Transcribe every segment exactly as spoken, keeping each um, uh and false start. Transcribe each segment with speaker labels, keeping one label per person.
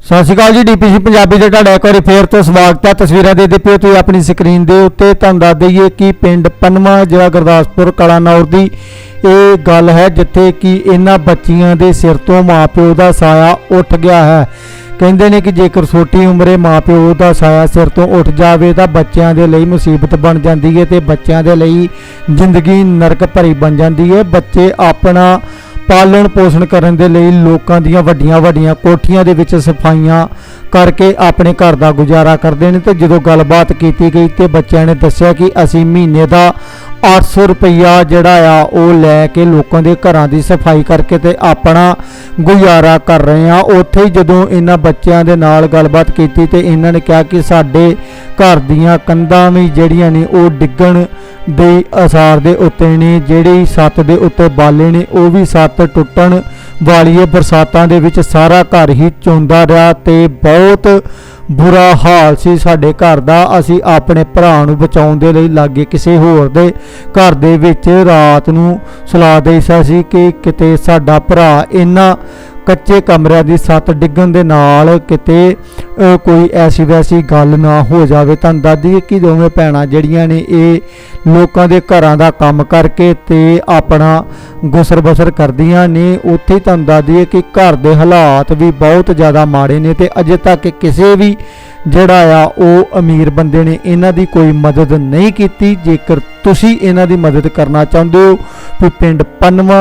Speaker 1: ਸਤਿ ਸ਼੍ਰੀ ਅਕਾਲ ਜੀ। ਡੀਪੀਸੀ ਪੰਜਾਬੀ ਦੇ ਤੁਹਾਡਾ ਇੱਕ ਵਾਰੀ ਫੇਰ ਤੋਂ ਸਵਾਗਤ ਹੈ। ਤਸਵੀਰਾਂ ਦੇ ਦੇ ਪਿਓ ਤੁਸੀਂ ਆਪਣੀ ਸਕਰੀਨ ਦੇ ਉੱਤੇ। ਤੁਹਾਨੂੰ ਦੱਸ ਦਈਏ ਕਿ ਪਿੰਡ ਪੰਨਵਾ ਜ਼ਿਲ੍ਹਾ ਗੁਰਦਾਸਪੁਰ ਕਲਾਨੌਰ ਦੀ ਇਹ ਗੱਲ ਹੈ, ਜਿੱਥੇ ਕਿ ਇਹਨਾਂ ਬੱਚੀਆਂ ਦੇ ਸਿਰ ਤੋਂ ਮਾਪਿਓ ਦਾ ਸਾਇਆ ਉੱਠ ਗਿਆ ਹੈ। ਕਹਿੰਦੇ ਨੇ ਕਿ ਜੇਕਰ ਛੋਟੀ ਉਮਰੇ ਮਾਪਿਓ ਦਾ ਸਾਇਆ ਸਿਰ ਤੋਂ ਉੱਠ ਜਾਵੇ ਤਾਂ ਬੱਚਿਆਂ ਦੇ ਲਈ ਮੁਸੀਬਤ ਬਣ ਜਾਂਦੀ ਹੈ ਤੇ ਬੱਚਿਆਂ ਦੇ ਲਈ ਜ਼ਿੰਦਗੀ ਨਰਕ ਭਰੀ ਬਣ ਜਾਂਦੀ ਹੈ। ਬੱਚੇ ਆਪਣਾ ਪਾਲਣ ਪੋਸ਼ਣ ਕਰਨ ਦੇ ਲਈ ਲੋਕਾਂ ਦੀਆਂ ਵੱਡੀਆਂ ਵੱਡੀਆਂ ਕੋਠੀਆਂ ਦੇ ਵਿੱਚ ਸਫਾਈਆਂ ਕਰਕੇ ਆਪਣੇ ਘਰ ਦਾ ਗੁਜ਼ਾਰਾ ਕਰਦੇ ਨੇ। ਤੇ ਜਦੋਂ ਗੱਲਬਾਤ ਕੀਤੀ ਗਈ ਤੇ ਬੱਚਿਆਂ ਨੇ ਦੱਸਿਆ ਕਿ ਅਸੀਂ ਮਹੀਨੇ ਦਾ ਅੱਠ ਸੌ ਰੁਪਈਆ ਜਿਹੜਾ ਆ ਉਹ ਲੈ ਕੇ ਲੋਕਾਂ ਦੇ ਘਰਾਂ ਦੀ ਸਫਾਈ ਕਰਕੇ ਤੇ ਆਪਣਾ ਗੁਜ਼ਾਰਾ ਕਰ ਰਹੇ ਆ। ਉੱਥੇ ਹੀ ਜਦੋਂ ਇਹਨਾਂ ਬੱਚਿਆਂ ਦੇ ਨਾਲ ਗੱਲਬਾਤ ਕੀਤੀ ਤੇ ਇਹਨਾਂ ਨੇ ਕਿਹਾ ਕਿ ਸਾਡੇ ਘਰ ਦੀਆਂ ਕੰਧਾਂ ਵੀ ਜਿਹੜੀਆਂ ਨੇ ਉਹ ਡਿੱਗਣ ਦੇ ਅਸਾਰ ਦੇ ਉੱਤੇ ਨੇ, ਜਿਹੜੀ ਛੱਤ ਦੇ ਉੱਤੇ ਬਾਲੇ ਨੇ ਉਹ ਵੀ ਛੱਤ ਟੁੱਟਣ ਵਾਲੀ ਹੈ। ਬਰਸਾਤਾਂ ਦੇ ਵਿੱਚ ਸਾਰਾ ਘਰ ਹੀ ਚੋਂਦਾ ਰਿਹਾ ਤੇ ਬਹੁਤ ਬੁਰਾ ਹਾਲ ਸੀ ਸਾਡੇ ਘਰ ਦਾ। ਅਸੀਂ ਆਪਣੇ ਭਰਾ ਨੂੰ ਬਚਾਉਣ ਦੇ ਲਈ ਲਾਗੇ ਕਿਸੇ ਹੋਰ ਦੇ ਘਰ ਦੇ ਵਿੱਚ ਰਾਤ ਨੂੰ ਸੁਲਾ ਦੇਈਦਾ ਸੀ ਕਿ ਕਿਤੇ ਸਾਡਾ ਭਰਾ ਇਹਨਾਂ ਕੱਚੇ ਕਮਰਿਆਂ ਦੀ ਛੱਤ ਡਿੱਗਣ ਦੇ ਨਾਲ ਕਿਤੇ ਕੋਈ ਐਸੀ ਵੈਸੀ ਗੱਲ ਨਾ ਹੋ ਜਾਵੇ। ਤੁਹਾਨੂੰ ਦੱਸ ਦਈਏ ਕਿ ਦੋਵੇਂ ਭੈਣਾਂ ਜਿਹੜੀਆਂ ਨੇ ਇਹ ਲੋਕਾਂ ਦੇ ਘਰਾਂ ਦਾ ਕੰਮ ਕਰਕੇ ਤੇ ਆਪਣਾ ਗੁਸਰ ਬਸਰ ਕਰਦੀਆਂ ਨੇ। ਉੱਥੇ ਹੀ ਤੁਹਾਨੂੰ ਦੱਸ ਦਈਏ ਕਿ ਘਰ ਦੇ ਹਾਲਾਤ ਵੀ ਬਹੁਤ ਜ਼ਿਆਦਾ ਮਾੜੇ ਨੇ ਤੇ ਅਜੇ ਤੱਕ ਕਿਸੇ ਵੀ ਜਿਹੜਾ ਆ ਉਹ ਅਮੀਰ ਬੰਦੇ ਨੇ ਇਹਨਾਂ ਦੀ ਕੋਈ ਮਦਦ ਨਹੀਂ ਕੀਤੀ। ਜੇਕਰ ਤੁਸੀਂ ਇਹਨਾਂ ਦੀ ਮਦਦ ਕਰਨਾ ਚਾਹੁੰਦੇ ਹੋ ਤਾਂ ਪਿੰਡ ਪੰਨਵਾ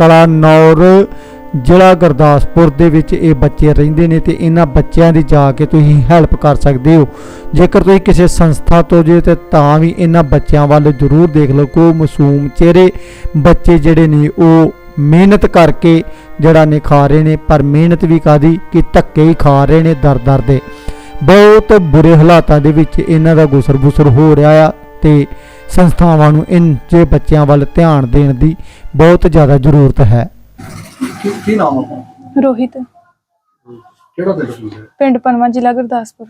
Speaker 1: ਕਲਾਨੌਰ ਜ਼ਿਲ੍ਹਾ ਗੁਰਦਾਸਪੁਰ ਦੇ ਵਿੱਚ ਇਹ ਬੱਚੇ ਰਹਿੰਦੇ ਨੇ ਤੇ ਇਹਨਾਂ ਬੱਚਿਆਂ ਦੀ ਜਾ ਕੇ ਤੁਸੀਂ ਹੈਲਪ ਕਰ ਸਕਦੇ ਹੋ। ਜੇਕਰ ਤੁਸੀਂ ਕਿਸੇ ਸੰਸਥਾ ਤੋਂ ਜੇ ਤੇ ਤਾਂ ਵੀ ਇਹਨਾਂ ਬੱਚਿਆਂ ਵੱਲ ਜ਼ਰੂਰ ਦੇਖ ਲਓ। ਕੋ ਮਾਸੂਮ ਚਿਹਰੇ ਬੱਚੇ ਜਿਹੜੇ ਨੇ ਉਹ ਮਿਹਨਤ ਕਰਕੇ ਜਿਹੜਾ ਨੇ ਖਾ ਰਹੇ ਨੇ, ਪਰ ਮਿਹਨਤ ਵੀ ਕਾਦੀ ਕਿ ਧੱਕੇ ਹੀ ਖਾ ਰਹੇ ਨੇ ਦਰ ਦਰ ਦੇ। ਬਹੁਤ ਬੁਰੇ ਹਾਲਾਤਾਂ ਦੇ ਵਿੱਚ ਇਹਨਾਂ ਦਾ ਗੁਸਰ ਬੁਸਰ ਹੋ ਰਿਹਾ ਆ ਤੇ ਸੰਸਥਾਵਾਂ ਨੂੰ ਇਨ ਜੇ ਬੱਚਿਆਂ ਵੱਲ ਧਿਆਨ ਦੇਣ ਦੀ ਬਹੁਤ ਜ਼ਿਆਦਾ ਜ਼ਰੂਰਤ ਹੈ।
Speaker 2: ਕੀ ਨਾਮ ਆਪਣਾ?
Speaker 3: ਰੋਹਿਤ,
Speaker 2: ਕਿਹੜਾ ਪਿੰਡ ਹੈ?
Speaker 3: ਪਿੰਡ ਪੰਨਵਾ, ਜ਼ਿਲ੍ਹਾ ਗੁਰਦਾਸਪੁਰ।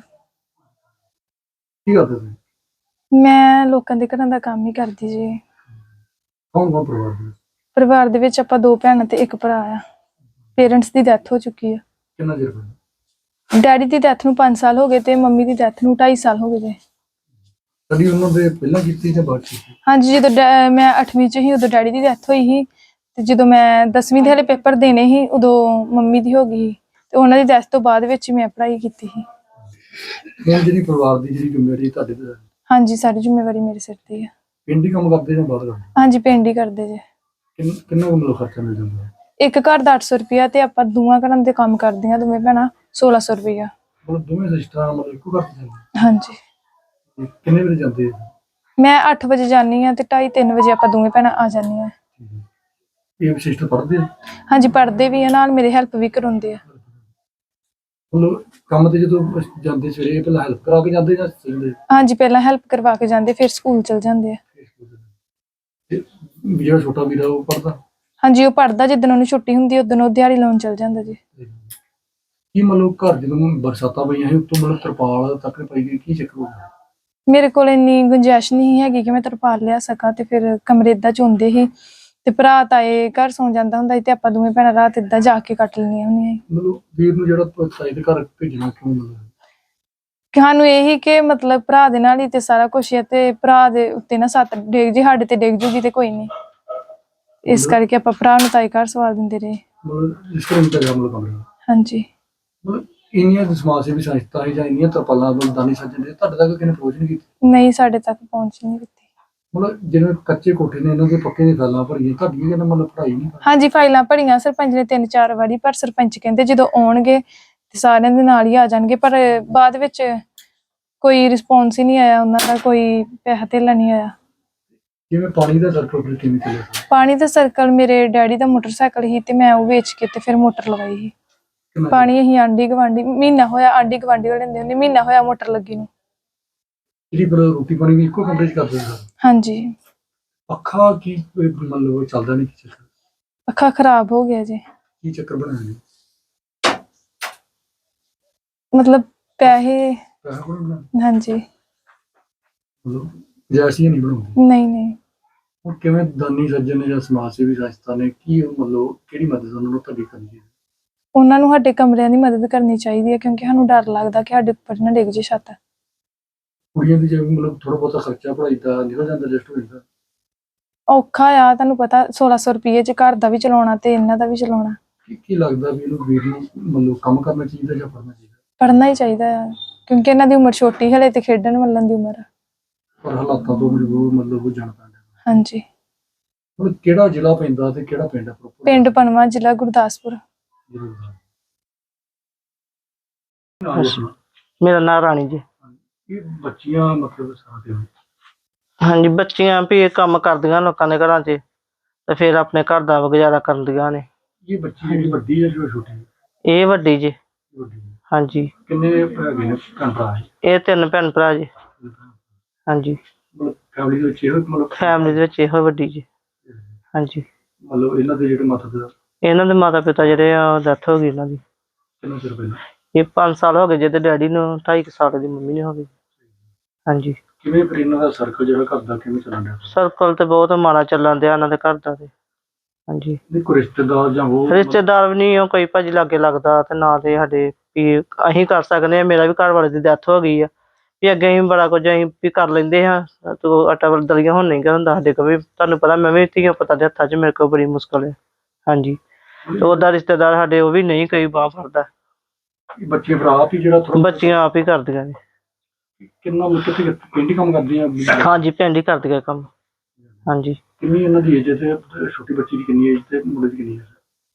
Speaker 2: ਕੀ ਕਰਦੇ ਤੁਸੀਂ?
Speaker 3: ਮੈਂ ਲੋਕਾਂ ਦੇ ਘਰਾਂ ਦਾ ਕੰਮ ਹੀ ਕਰਦੀ ਜੀ।
Speaker 2: ਕੌਣ ਕੌਣ ਪਰਿਵਾਰ ਦੇ?
Speaker 3: ਪਰਿਵਾਰ ਦੇ ਵਿੱਚ ਆਪਾਂ ਦੋ ਭੈਣਾਂ ਤੇ ਇੱਕ ਭਰਾ ਆ। ਪੇਰੈਂਟਸ ਦੀ ਡੈਥ ਹੋ ਚੁੱਕੀ ਆ।
Speaker 2: ਕਿੰਨਾ ਚਿਰ ਹੋਇਆ?
Speaker 3: ਡੈਡੀ ਦੀ ਡੈਥ ਨੂੰ ਪੰਜ ਸਾਲ ਹੋ ਗਏ ਤੇ ਮੰਮੀ ਦੀ ਡੈਥ ਨੂੰ ਢਾਈ ਸਾਲ ਹੋ ਗਏ ਜੀ।
Speaker 2: ਕਦੀ ਉਹਨਾਂ ਦੇ ਪਹਿਲਾਂ ਕੀਤੀ ਜਾਂ ਬਾਅਦ ਕੀਤੀ?
Speaker 3: ਹਾਂਜੀ, ਜਦੋਂ ਮੈਂ ਅੱਠਵੀਂ ਚ ਹੀ ਉਦੋਂ ਡੈਡੀ ਦੀ ਡੈਥ ਹੋਈ ਸੀ ਤੇ ਜਦੋਂ ਮੈਂ ਦਸਵੀਂ ਦੇ ਹਲੇ ਪੇਪਰ ਦੇਣੇ ਸੀ ਉਦੋਂ ਮੰਮੀ ਦੀ ਹੋ ਗਈ ਤੇ ਉਹਨਾਂ ਦੀ ਡੈਥ ਤੋਂ ਬਾਅਦ ਵਿੱਚ ਮੈਂ ਪੜ੍ਹਾਈ ਕੀਤੀ ਸੀ।
Speaker 2: ਹੁਣ ਜਿਹੜੀ ਪਰਿਵਾਰ ਦੀ ਜਿਹੜੀ ਜ਼ਿੰਮੇਵਾਰੀ ਤੁਹਾਡੇ ਤੇ ਹੈ?
Speaker 3: ਹਾਂਜੀ, ਸਾਰੀ ਜ਼ਿੰਮੇਵਾਰੀ ਮੇਰੇ ਸਿਰ ਤੇ ਆ।
Speaker 2: ਪਿੰਡ ਹੀ ਕੰਮ ਕਰਦੇ ਜਾਂ ਬਾਹਰ ਕਰਦੇ?
Speaker 3: ਹਾਂਜੀ, ਪਿੰਡ ਹੀ ਕਰਦੇ ਜੇ।
Speaker 2: ਕਿੰਨ ਕਿੰਨਾ ਕੁ ਮਤਲਬ ਖਰਚਾ ਮਿਲ ਜਾਂਦਾ?
Speaker 3: ਇੱਕ ਘਰ ਦਾ ਅੱਠ ਸੌ ਰੁਪਇਆ ਤੇ ਆਪਾਂ ਦੋਵਾਂ ਘਰਾਂ ਦੇ ਕੰਮ ਕਰਦੀਆਂ ਦੋਵੇਂ ਭੈਣਾਂ ਸੋਲਾਂ ਸੌ ਰੁਪਇਆ।
Speaker 2: ਮਤਲਬ ਦੋਵੇਂ ਸਿਸਟਰਾਂ ਮਤਲਬ ਇੱਕੋ ਘਰ 'ਚ ਜਾਂਦੇ?
Speaker 3: ਹਾਂਜੀ।
Speaker 2: ਤੇ ਕਿੰਨੇ ਵਜੇ ਜਾਂਦੇ ਆ?
Speaker 3: ਮੈਂ ਅੱਠ ਵਜੇ ਜਾਂਦੀ ਹਾਂ ਤੇ ਢਾਈ ਤਿੰਨ ਵਜੇ ਆਪਾਂ ਦੋਵੇਂ ਭੈਣਾਂ ਆ ਜਾਂਦੀਆਂ।
Speaker 2: ਇਹ ਸਿਸਟਰ ਪੜ੍ਹਦੇ ਆ?
Speaker 3: ਹਾਂਜੀ, ਪੜ੍ਹਦੇ ਵੀ ਆ, ਨਾਲ ਮੇਰੇ ਹੈਲਪ ਵੀ ਕਰਾਉਂਦੇ ਆ।
Speaker 2: ਮਤਲਬ ਕੰਮ ਤੇ ਜਦੋਂ ਜਾਂਦੇ ਸਵੇਰੇ ਪਹਿਲਾਂ ਹੈਲਪ ਕਰਾ ਕੇ ਜਾਂਦੇ ਜਾਂ ਜਾਂਦੇ?
Speaker 3: ਹਾਂਜੀ, ਪਹਿਲਾਂ ਹੈਲਪ ਕਰਵਾ ਕੇ ਜਾਂਦੇ ਫਿਰ ਸਕੂਲ ਚਲ ਜਾਂਦੇ ਆ।
Speaker 2: ਤੇ ਜਿਹੜਾ ਛੋਟਾ ਵੀਰਾ ਉਹ ਪੜ੍ਹਦਾ?
Speaker 3: ਹਾਂਜੀ, ਉਹ ਪੜ੍ਹਦਾ। ਜਿੱਦਣ ਉਹਨੂੰ ਛੁੱਟੀ ਹੁੰਦੀ ਉਦੋਂ ਉਹ ਦਿਹਾੜੀ ਲਾਉਣ ਚਲ ਜਾਂਦਾ ਜੀ।
Speaker 2: ਕੀ ਮਤਲਬ ਘਰ ਜਦੋਂ ਬਰਸਾਤਾਂ ਪਈਆਂ ਸੀ ਉੱਤੋਂ ਮਤਲਬ ਤਰਪਾਲ ਤੱਕ ਪਈ ਗਈ, ਕੀ ਚੱਕਰ ਹੋ ਗਿਆ?
Speaker 3: ਮੇਰੇ ਕੋਲ ਇੰਨੀ ਗੁੰਜਾਇਸ਼ ਨਹੀਂ ਹੈਗੀ ਕਿ ਮੈਂ ਤਰਪਾਲ ਲਿਆ ਸਕਾਂ ਤੇ ਫਿਰ ਕਮਰੇ ਏਦਾਂ ਚੋਂਦੇ ਸੀ ਤੇ ਭਰਾ ਤਾਏ ਘਰ ਸੌਂ ਜਾਂਦਾ ਹੁੰਦਾ ਸੀ ਤੇ ਆਪਾਂ ਦੋਵੇਂ ਭੈਣਾਂ ਰਾਤ ਏਦਾਂ ਜਾ ਕੇ ਕੱਟ ਲੈਣੀਆਂ ਹੁੰਦੀਆਂ।
Speaker 2: ਮਤਲਬ ਵੀਰ ਨੂੰ ਜਿਹੜਾ ਤਾਏ ਦੇ ਘਰ ਭੇਜਣਾ ਕਿਉਂ? ਮਤਲਬ
Speaker 3: ਸਾਨੂੰ ਇਹੀ ਕਿ ਮਤਲਬ ਭਰਾ ਦੇ ਨਾਲ ਹੀ ਤੇ ਸਾਰਾ ਕੁਛ ਹੈ ਤੇ ਭਰਾ ਦੇ ਉੱਤੇ ਨਾ ਸੱਤ ਡਿੱਗ ਜੇ ਸਾਡੇ ਤੇ ਡਿੱਗ ਜੂਗੀ ਤੇ ਕੋਈ ਨਹੀਂ, ਇਸ ਕਰਕੇ ਆਪਾਂ ਭਰਾ ਨੂੰ ਤਾਏ ਘਰ ਸਵਾਲ ਦਿੰਦੇ ਰਹੇ।
Speaker 2: ਮਤਲਬ ਇਸ ਤਰ੍ਹਾਂ ਦਾ ਕੰਮ ਕਮਰਾ?
Speaker 3: ਹਾਂਜੀ।
Speaker 2: ਮਤਲਬ ਇੰਨੀਆਂ ਸਮਾਜ ਸੇਵੀ ਸੰਸਥਾ ਹੈ ਜਾਂ ਇੰਨੀਆਂ ਤਰਪਾਲਾਂ ਦਾਨੀ ਸੱਜਣ ਦੇ ਤੁਹਾਡੇ ਤੱਕ ਕਿਹਨੇ ਪਹੁੰਚ ਨਹੀਂ ਕੀਤੀ?
Speaker 3: ਨਹੀਂ, ਸਾਡੇ ਤੱਕ ਪਹੁੰਚ ਨਹੀਂ ਕੀਤੀ।
Speaker 2: ਮਤਲਬ ਜਿਵੇਂ ਕੱਚੇ ਕੋਠੇ ਨੇ ਇਹਨਾਂ ਦੇ ਪੱਕੇ ਦੀ ਫੈਲਾਂ ਭਰੀਆਂ, ਤੁਹਾਡੀ ਕਹਿੰਦਾ ਮਤਲਬ ਪੜ੍ਹਾਈ ਨਹੀਂ?
Speaker 3: ਹਾਂਜੀ, ਫਾਈਲਾਂ ਭਰੀਆਂ ਸਰਪੰਚ ਨੇ ਤਿੰਨ ਚਾਰ ਵਾਰੀ, ਪਰ ਸਰਪੰਚ ਕਹਿੰਦੇ ਜਦੋਂ ਆਉਣਗੇ ਤੇ ਸਾਰਿਆਂ ਦੇ ਨਾਲ ਹੀ ਆ ਜਾਣਗੇ, ਪਰ ਬਾਅਦ ਵਿੱਚ ਕੋਈ ਰਿਸਪੌਂਸ ਹੀ ਨਹੀਂ ਆਇਆ ਉਹਨਾਂ ਦਾ, ਕੋਈ ਪੈਸਾ ਧੇਲਾ ਨਹੀਂ ਆਇਆ।
Speaker 2: ਜਿਵੇਂ ਪਾਣੀ ਦਾ ਸਰਕਲ ਫਿਰ ਕਿਵੇਂ ਚੱਲਿਆ?
Speaker 3: ਪਾਣੀ ਦਾ ਸਰਕਲ ਮੇਰੇ ਡੈਡੀ ਦਾ ਮੋਟਰਸਾਈਕਲ ਸੀ ਤੇ ਮੈਂ ਉਹ ਵੇਚ ਕੇ ਤੇ ਫਿਰ ਮੋਟਰ ਲਗਾਈ ਸੀ। ਪਾਣੀ ਅਸੀਂ ਆਂਢੀ ਗੁਆਂਢੀ ਮਹੀਨਾ ਹੋਇਆ ਆਂਢੀ ਗੁਆਂਢੀ ਵਾਲੇ ਲੈਂਦੇ ਹੁੰਦੇ, ਮਹੀਨਾ ਹੋਇਆ ਮੋਟਰ ਲੱਗੀ ਨੂੰ।
Speaker 2: ਜਿਹੜੀ ਪਰ ਰੋਟੀ ਪਾਣੀ ਵੀ ਇੱਕੋ ਕਮਰੇ 'ਚ ਕਰਦੇ ਹੋ?
Speaker 3: ਹਾਂਜੀ।
Speaker 2: ਪੱਖਾ ਕੀ ਮਤਲਬ ਚੱਲਦਾ ਨਹੀਂ? ਕੀ ਚੱਕਰ?
Speaker 3: ਪੱਖਾ ਖਰਾਬ ਹੋ ਗਿਆ ਜੀ।
Speaker 2: ਕੀ ਚੱਕਰ ਬਣਾਇਆ ਜੀ?
Speaker 3: ਮਤਲਬ ਪੈਸੇ?
Speaker 2: ਪੈਸਾ ਕੋਲ ਬਣਾ?
Speaker 3: ਹਾਂਜੀ।
Speaker 2: ਮਤਲਬ ਜੈਸੀ ਨਹੀਂ ਬਣਾਉਂਦੀ?
Speaker 3: ਨਹੀਂ ਨਹੀਂ।
Speaker 2: ਉਹ ਕਿਵੇਂ ਦਾਨੀ ਸੱਜਣ ਨੇ ਜਾਂ ਸਮਾਜ ਸੇਵੀ ਸੰਸਥਾ ਨੇ ਕੀ ਮਤਲਬ ਕਿਹੜੀ ਮਦਦ ਉਹਨਾਂ ਨੂੰ ਤੁਹਾਡੀ ਕਰਨੀ ਹੈ?
Speaker 3: ਉਹਨਾਂ ਨੂੰ ਸਾਡੇ ਕਮਰਿਆਂ ਦੀ ਮਦਦ ਕਰਨੀ ਚਾਹੀਦੀ ਹੈ, ਕਿਉਂਕਿ ਸਾਨੂੰ ਡਰ ਲੱਗਦਾ ਕਿ ਸਾਡੇ ਉੱਪਰ ਨਾ ਡਿੱਗ ਜੇ ਛੱਤ।
Speaker 2: ਕੁੜੀਆਂ ਦੀ ਜਿਵੇਂ ਮਤਲਬ ਥੋੜਾ ਬਹੁਤਾ ਖਰਚਾ ਪੜ੍ਹਾਈ ਦਾ ਨਿਕਲ ਜਾਂਦਾ, ਐਡਜਸਟ ਹੋ ਜਾਂਦਾ।
Speaker 3: ਔਖਾ ਆ, ਤੁਹਾਨੂੰ ਪਤਾ ਸੋਲਾਂ ਸੌ ਰੁਪਏ ਚ ਘਰ ਦਾ ਵੀ ਚਲਾਉਣਾ ਤੇ ਇਹਨਾਂ ਦਾ ਵੀ ਚਲਾਉਣਾ।
Speaker 2: ਕੀ ਕੀ ਲੱਗਦਾ ਵੀ ਇਹਨੂੰ ਵੀਰ ਨੂੰ ਮਤਲਬ ਕੰਮ ਕਰਨਾ ਚਾਹੀਦਾ ਜਾਂ ਪੜ੍ਹਨਾ ਚਾਹੀਦਾ?
Speaker 3: ਪੜ੍ਹਨਾ ਹੀ ਚਾਹੀਦਾ ਆ, ਕਿਉਂਕਿ ਇਹਨਾਂ ਦੀ ਉਮਰ ਛੋਟੀ ਹਲੇ ਤੇ ਖੇਡਣ ਵੱਲਣ ਦੀ ਉਮਰ ਆ।
Speaker 2: ਪਰ ਹਾਲਾਤਾਂ ਤੋਂ ਮਜਬੂਰ ਮਤਲਬ ਉਹ ਜਾਣਾ ਪੈਂਦਾ।
Speaker 3: ਹਾਂਜੀ।
Speaker 2: ਮਤਲਬ ਕਿਹੜਾ ਜ਼ਿਲ੍ਹਾ ਪੈਂਦਾ ਤੇ ਕਿਹੜਾ ਪਿੰਡ ਹੈ ਪ੍ਰੋਪਰ?
Speaker 3: ਪਿੰਡ ਪਨਵਾ, ਜ਼ਿਲ੍ਹਾ ਗੁਰਦਾਸਪੁਰ।
Speaker 4: ਮੇਰਾ ਨਾਂ ਰਾਣੀ ਜੀ।
Speaker 2: ਇਹ ਬੱਚੀਆਂ ਮਤਲਬ ਸਾਥ
Speaker 4: ਹਾਂਜੀ, ਬੱਚੀਆਂ ਵੀ ਇਹ ਕੰਮ ਕਰਦੀਆਂ ਲੋਕਾਂ ਦੇ ਘਰਾਂ 'ਚ ਤੇ ਫਿਰ ਆਪਣੇ ਘਰ ਦਾ ਗੁਜ਼ਾਰਾ ਕਰਦੀਆਂ ਨੇ।
Speaker 2: ਇਹ ਬੱਚੀ ਜਿਹੜੀ ਵੱਡੀ ਹੈ ਜੋ ਛੋਟੀ ਹੈ?
Speaker 4: ਇਹ ਵੱਡੀ ਜੀ।
Speaker 2: ਵੱਡੀ ਹੈ।
Speaker 4: ਹਾਂਜੀ।
Speaker 2: ਕਿੰਨੇ ਹੈਗੇ ਨੇ ਭੈਣ ਭਰਾ?
Speaker 4: ਇਹ ਤਿੰਨ ਭੈਣ ਭਰਾ ਜੀ। ਹਾਂਜੀ।
Speaker 2: ਮਤਲਬ ਫੈਮਿਲੀ ਦੇ ਵਿੱਚ ਇਹੋ ਮਤਲਬ
Speaker 4: ਫੈਮਿਲੀ ਦੇ ਵਿੱਚ ਇਹੋ ਵੱਡੀ ਜੀ। ਹਾਂਜੀ।
Speaker 2: ਮਤਲਬ ਇਹਨਾਂ ਦੇ ਜਿਹੜੇ ਮਾਤਾ
Speaker 4: ਇਹਨਾਂ ਦੇ ਮਾਤਾ ਪਿਤਾ ਜਿਹੜੇ ਆ ਡੈਥ ਹੋ ਗਈ ਇਹਨਾਂ ਦੀ।
Speaker 2: ਕਿੰਨਾ ਚਿਰ ਪਹਿਲਾਂ?
Speaker 4: ਇਹ ਪੰਜ ਸਾਲ ਹੋ ਗਏ ਜਿਹਦੇ ਡੈਡੀ ਨੂੰ, ਢਾਈ ਕੁ ਸਾਲ ਦੀ ਮੰਮੀ ਨੂੰ ਹੋ ਗਈ। ਹਾਂਜੀ।
Speaker 2: ਕਿਵੇਂ ਫਿਰ ਇਹਨਾਂ ਦਾ ਸਰਕਲ ਜਿਹੜਾ ਘਰ ਦਾ ਕਿਵੇਂ ਚੱਲਣ ਡਿਆ?
Speaker 4: ਸਰਕਲ ਤੇ ਬਹੁਤ ਮਾੜਾ ਚੱਲਣ ਡਿਆ ਇਹਨਾਂ ਦੇ ਘਰ ਦਾ ਤੇ। ਹਾਂਜੀ।
Speaker 2: ਨਹੀਂ ਕੋਈ ਰਿਸ਼ਤੇਦਾਰ ਜਾਂ ਉਹ
Speaker 4: ਰਿਸ਼ਤੇਦਾਰ ਵੀ ਨਹੀਂ ਉਹ ਕੋਈ ਭਾਜੀ ਲਾਗੇ ਲੱਗਦਾ, ਤੇ ਨਾ ਤੇ ਸਾਡੇ ਵੀ ਅਸੀਂ ਕਰ ਸਕਦੇ ਹਾਂ। ਮੇਰਾ ਵੀ ਘਰ ਵਾਲੇ ਦੀ ਡੈਥ ਹੋ ਗਈ ਆ, ਵੀ ਅੱਗੇ ਅਸੀਂ ਬੜਾ ਕੁਝ ਅਸੀਂ ਵੀ ਕਰ ਲੈਂਦੇ ਹਾਂ ਤੋ ਆਟਾ ਦਲੀਆਂ ਹੁਣ ਨਹੀਂ ਹੁੰਦਾ ਸਾਡੇ ਕੋਲ ਵੀ। ਤੁਹਾਨੂੰ ਪਤਾ ਮੈਂ ਵੀ ਧੀਆਂ ਪੁੱਤਾਂ ਦੇ ਹੱਥਾਂ 'ਚ ਮੇਰੇ ਕੋਲ ਬੜੀ ਮੁਸ਼ਕਲ ਹੈ। ਹਾਂਜੀ। ਤੇ ਉਹਦਾ ਰਿਸ਼ਤੇਦਾਰ ਸਾਡੇ ਉਹ ਵੀ ਨਹੀਂ ਕੋਈ ਬਾਂਹ ਫੜਦਾ।
Speaker 2: ਬੱਚੇ ਭਰਾ ਆਪ ਹੀ ਜਿਹੜਾ ਥੋੜਾ
Speaker 4: ਬੱਚੀਆਂ ਆਪ ਹੀ ਕਰਦੀਆਂ ਨੇ।
Speaker 2: ਕਿੰਨਾ ਕਿੱਥੇ ਪਿੰਡ ਹੀ ਕੰਮ ਕਰਦੀਆਂ?
Speaker 4: ਹਾਂਜੀ, ਪਿੰਡ ਹੀ ਕਰਦੀਆਂ ਕੰਮ। ਹਾਂਜੀ।
Speaker 2: ਕਿੰਨੀ ਇਹਨਾਂ ਦੀ ਏਜ ਤੇ ਛੋਟੀ ਬੱਚੀ ਦੀ ਕਿੰਨੀ ਏਜ ਤੇ ਮੁੰਡੇ ਦੀ ਕਿੰਨੀ ਏਜ?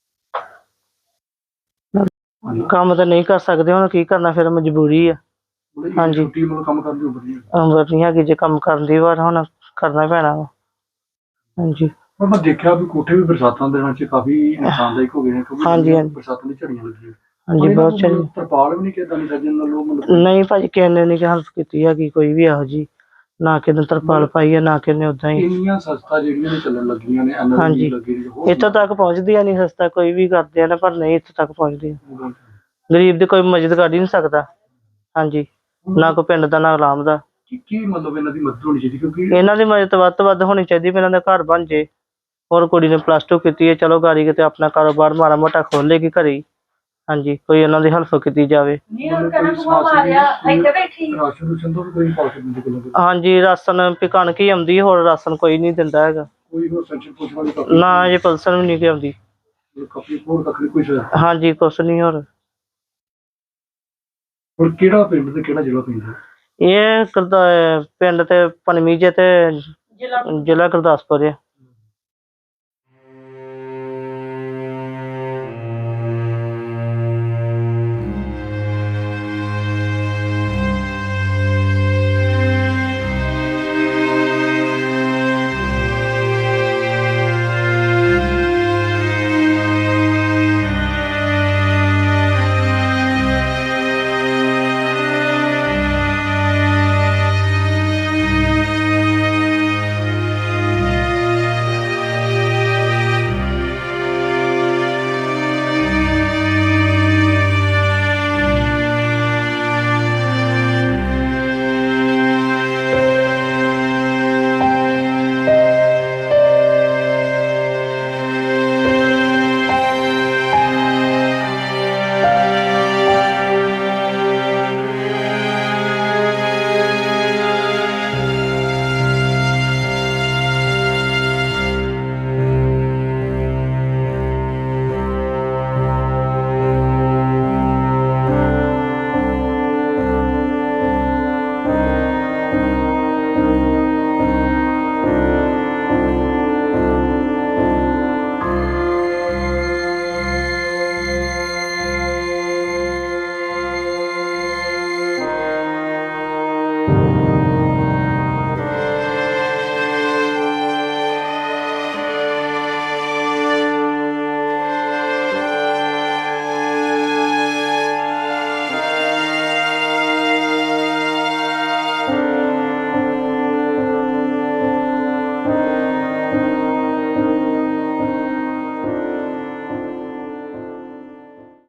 Speaker 4: ਕੰਮ ਤਾਂ ਨਹੀਂ ਕਰ ਸਕਦੇ, ਹੁਣ ਕੀ ਕਰਨਾ, ਫਿਰ ਮਜਬੂਰੀ ਆ। ਹਾਂਜੀ।
Speaker 2: ਛੋਟੀ ਮਤਲਬ ਕੰਮ ਕਰਨ ਦੀ ਉਮਰ ਨਹੀਂ ਹੈ।
Speaker 4: ਉਮਰ ਨਹੀਂ ਹੈਗੀ ਜੇ ਕੰਮ ਕਰਨ ਦੀ, ਪਰ ਹੁਣ ਕਰਨਾ ਪੈਣਾ ਵਾ। ਹਾਂਜੀ।
Speaker 2: ਪਰ ਮੈਂ ਦੇਖਿਆ ਵੀ ਕੋਠੇ ਵੀ ਬਰਸਾਤਾਂ ਦੇ ਵਿੱਚ ਕਾਫੀ ਨੁਕਸਾਨਦਾਇਕ ਹੋ ਗਏ ਨੇ, ਕਿਉਂਕਿ
Speaker 4: ਹਾਂਜੀ, ਹਾਂਜੀ।
Speaker 2: ਬਰਸਾਤਾਂ ਦੀ ਝੜੀਆਂ ਲੱਗੀਆਂ।
Speaker 4: ਹਾਂਜੀ, ਬਹੁਤ ਚੰਗੀ।
Speaker 2: ਤਰਪਾਲ ਵੀ ਨਹੀਂ ਕਿਦਾਂ ਨਹੀਂ ਸੱਜਣ ਨਾਲ ਲੋਕ ਮਤਲਬ?
Speaker 4: ਨਹੀਂ ਭਾਜੀ, ਕਿਸੇ ਨੇ ਨਹੀਂ ਹੈਲਪ ਕੀਤੀ ਹੈਗੀ ਕੋਈ ਵੀ ਇਹੋ ਜੀ, ਨਾ ਕਿਸੇ ਨੇ ਤਰਪਾਲ ਪਾਈ ਹੈ, ਨਾ ਕਿਸੇ ਨੇ ਉਦਾਂ ਹੀ।
Speaker 2: ਇੰਨੀਆਂ ਸਸਤਾ ਜਿਹੜੀਆਂ ਨੇ ਚੱਲਣ ਲੱਗੀਆਂ ਨੇ,
Speaker 4: ਹਾਂਜੀ। ਇੱਥੋਂ ਤੱਕ ਪਹੁੰਚਦੀਆਂ ਨਹੀਂ ਸਸਤਾ, ਕੋਈ ਵੀ ਕਰਦੇ ਆ ਨਾ, ਪਰ ਨਹੀਂ ਇੱਥੋਂ ਤੱਕ ਪਹੁੰਚਦੀਆਂ। ਗਰੀਬ ਦੀ ਕੋਈ ਮਦਦ ਕਰ ਹੀ ਨਹੀਂ ਸਕਦਾ। ਹਾਂਜੀ। ਨਾ ਕੋਈ ਪਿੰਡ ਦਾ, ਨਾ ਆਰਾਮ ਦਾ।
Speaker 2: ਕੀ ਮਤਲਬ ਇਹਨਾਂ ਦੀ ਮਦਦ ਹੋਣੀ ਚਾਹੀਦੀ? ਕਿਉਂਕਿ
Speaker 4: ਇਹਨਾਂ ਦੀ ਮਦਦ ਵੱਧ ਤੋਂ ਵੱਧ ਹੋਣੀ ਚਾਹੀਦੀ ਵੀ ਇਹਨਾਂ ਦਾ ਘਰ ਬਣ ਜੇ। ਹੋਰ ਕੁੜੀ ਨੇ ਪਲੱਸ ਟੂ ਕੀਤੀ ਹੈ, ਚਲੋ ਗਾੜੀ ਕਿਤੇ ਆਪਣਾ ਕਾਰੋਬਾਰ ਮਾੜਾ ਮੋਟਾ ਖੋਲੇਗੀ ਘਰੇ ਹੀ। ਹਾਂਜੀ, ਕੋਈ ਇਹਨਾਂ ਦੀ ਹੈਲਪ ਕੀਤੀ ਜਾਵੇ। ਹਾਂਜੀ, ਰਾਸ਼ਨ ਵੀ ਕਣਕ ਹੀ ਆਉਂਦੀ, ਹੋਰ ਰਾਸ਼ਨ ਕੋਈ ਨਹੀਂ ਦਿੰਦਾ ਹੈਗਾ। ਨਾ ਜੀ, ਪਲਸਨ ਵੀ ਨਹੀਂ ਆਉਂਦੀ। ਹਾਂਜੀ, ਕੁਛ ਨਹੀਂ ਹੋਰ।
Speaker 2: ਹੋਰ ਕਿਹੜਾ ਪਿੰਡ ਤੇ ਕਿਹੜਾ ਜ਼ਿਲ੍ਹਾ ਪੈਂਦਾ?
Speaker 4: ਇਹ ਗੁਰਦਾ ਪਿੰਡ ਤੇ ਪਨਮੀ ਜੇ ਤੇ ਜ਼ਿਲ੍ਹਾ ਗੁਰਦਾਸਪੁਰ ਹੈ।